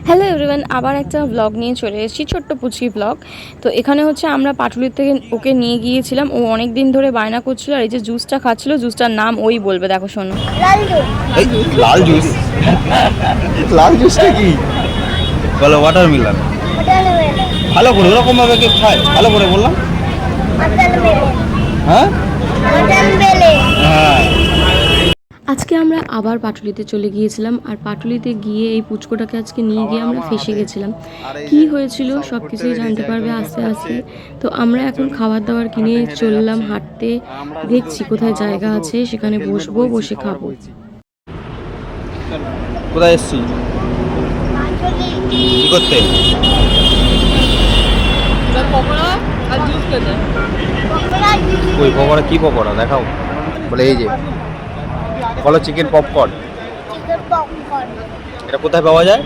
Hello everyone, আবার একটা blog নিয়ে চলে এসেছি, ছোট্ট পুচকি ব্লগ। তো এখানে হচ্ছে আমরা পাটুলির থেকে ওকে নিয়ে গিয়েছিলাম। ও অনেক দিন ধরে বায়না করছিল, আর এই যে জুসটা খাচ্ছিল, জুসটার নাম ওই বলবে, দেখো শোনো। লাল জুস। লাল জুসটা কি বলো? ওয়াটারমেলন। ভালো করে ওরকম ভাবে কে খায়? ভালো করে বললাম। হ্যাঁ হ্যাঁ। আজকে আমরা আবার পাটুলিতে চলে গিয়েছিলাম, আর পাটুলিতে গিয়ে এই পুচকোটাকে আজকে নিয়ে গিয়ে আমরা ফেসে গেছিলাম। কি হয়েছিল সব কিছুই জানতে পারবে আস্তে আস্তে। তো আমরা এখন খাবার দাবার কিনে চললাম হাঁটতে, দেখছি কোথায় জায়গা আছে সেখানে বসবো, বসে খাবো। কোথায় এসছি? কি করতে? ওই পকোড়া কি পকোড়া দেখাও? বলে এই যে বলো চিকেন পপকর্ন। এটা কোথায় পাওয়া যায়?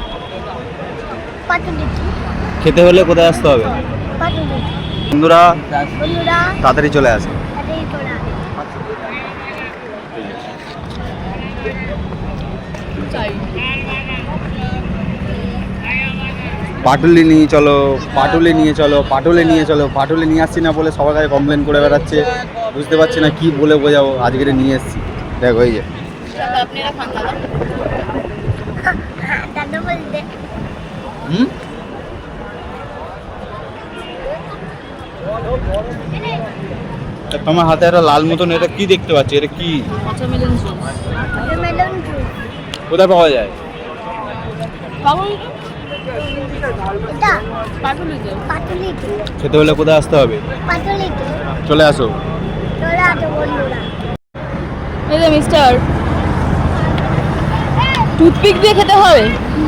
খেতে হলে কোথায় আসতে হবে? বন্ধুরা তাড়াতাড়ি চলে আসে। পাটুলি নিয়ে চলো, পাটুলি নিয়ে চলো, পাটুলি নিয়ে চলো। পাটুলি নিয়ে আসছি না বলে সবার কাছে কমপ্লেন করে বেড়াচ্ছে। বুঝতে পারছি না কি বলে বোঝাবো। আজকে নিয়ে এসছি, দেখো এই যে। তোমার হাতে একটা লাল মতন, এটা কি দেখতে পাচ্ছি? এটা কি? কোথায় পাওয়া যায়? খেতে হলে কোথায় আসতে হবে? চলে আসো। এই যে মিস্টার, টুথপিক দিয়ে খেতে হবে।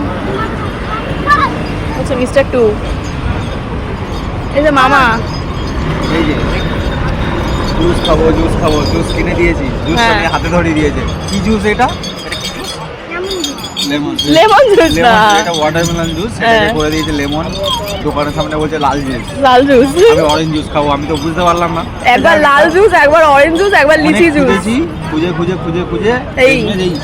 আচ্ছা মিস্টার টু। এই যে মামা, এই যে জুস খাবো, জুস খাবো, জুস কিনে দিয়েছি। জুসটা নিয়ে হাতে ধরিয়ে দিয়েছে। কি জুস এটা? লেমন জুস না, এটা ওয়াটারমেলন জুস। এটা করে দিয়েছে লেমন। দোকানের সামনে বলছে লাল জুস। লাল জুস, আমি অরেঞ্জ জুস খাবো। আমি তো বুঝতে পারলাম না। একবার লাল জুস, একবার অরেঞ্জ জুস, একবার লিচি জুস। খুঁজে খুঁজে খুঁজে খুঁজে এই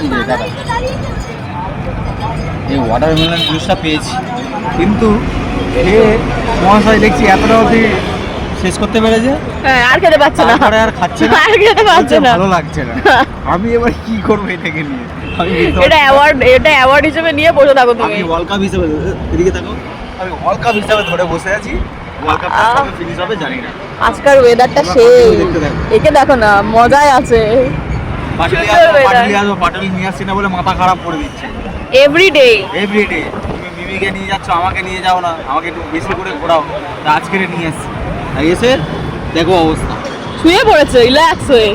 এই ওয়াটারমেলন জুসটা পেয়েছি, কিন্তু মহাশয় দেখছি এতটা অবধি শেষ করতে পেরেছে। হ্যাঁ, আর খেতে পাচ্ছে না, আর খাচ্ছে না, আর খেতে পাচ্ছে না, ভালো লাগছে না। আমি এবার কি করবো এটাকে নিয়ে? এটা অ্যাওয়ার্ড হিসেবে নিয়ে বসে থাকো তুমি। আমি ওয়ার্ল্ড কাপ হিসেবে, এদিকে থাকো, আমি ওয়ার্ল্ড কাপ হিসেবে ধরে বসে আছি। ওয়ার্ল্ড কাপটা কবে ফিনিশ হবে জানি না। আজকের ওয়েদারটা সেই, একে দেখো না, মজাই আছে। পাটুলি নিয়ে আসছি না বলে মাথা খারাপ করে দিচ্ছে এভরিডে। তুমি মিমিকে নিয়ে যাচ্ছ, আমাকে নিয়ে যাও না, আমাকে একটু বেশি করে ঘোরাও। আজকে নিয়ে আসছি, এসে দেখো অবস্থা, শুয়ে পড়েছে রিল্যাক্স হয়ে।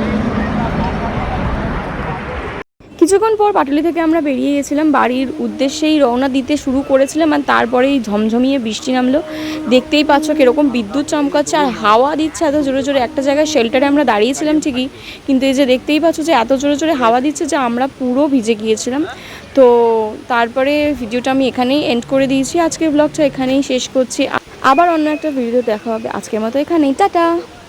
কিছুক্ষণ পর পাটুলি থেকে আমরা বেরিয়ে গেছিলাম, বাড়ির উদ্দেশ্যেই রওনা দিতে শুরু করেছিলাম, আর তারপরেই ঝমঝমিয়ে বৃষ্টি নামলো। দেখতেই পাচ্ছ কীরকম বিদ্যুৎ চমকাচ্ছে আর হাওয়া দিচ্ছে এত জোরে জোরে। একটা জায়গায় শেল্টারে আমরা দাঁড়িয়েছিলাম ঠিকই, কিন্তু এই যে দেখতেই পাচ্ছ যে এত জোরে জোরে হাওয়া দিচ্ছে যে আমরা পুরো ভিজে গিয়েছিলাম। তো তারপরে ভিডিওটা আমি এখানেই এন্ড করে দিয়েছি। আজকের ব্লগটা এখানেই শেষ করছি। আবার অন্য একটা ভিডিও দেখা হবে। আজকের মতো এখানেই, টাটা।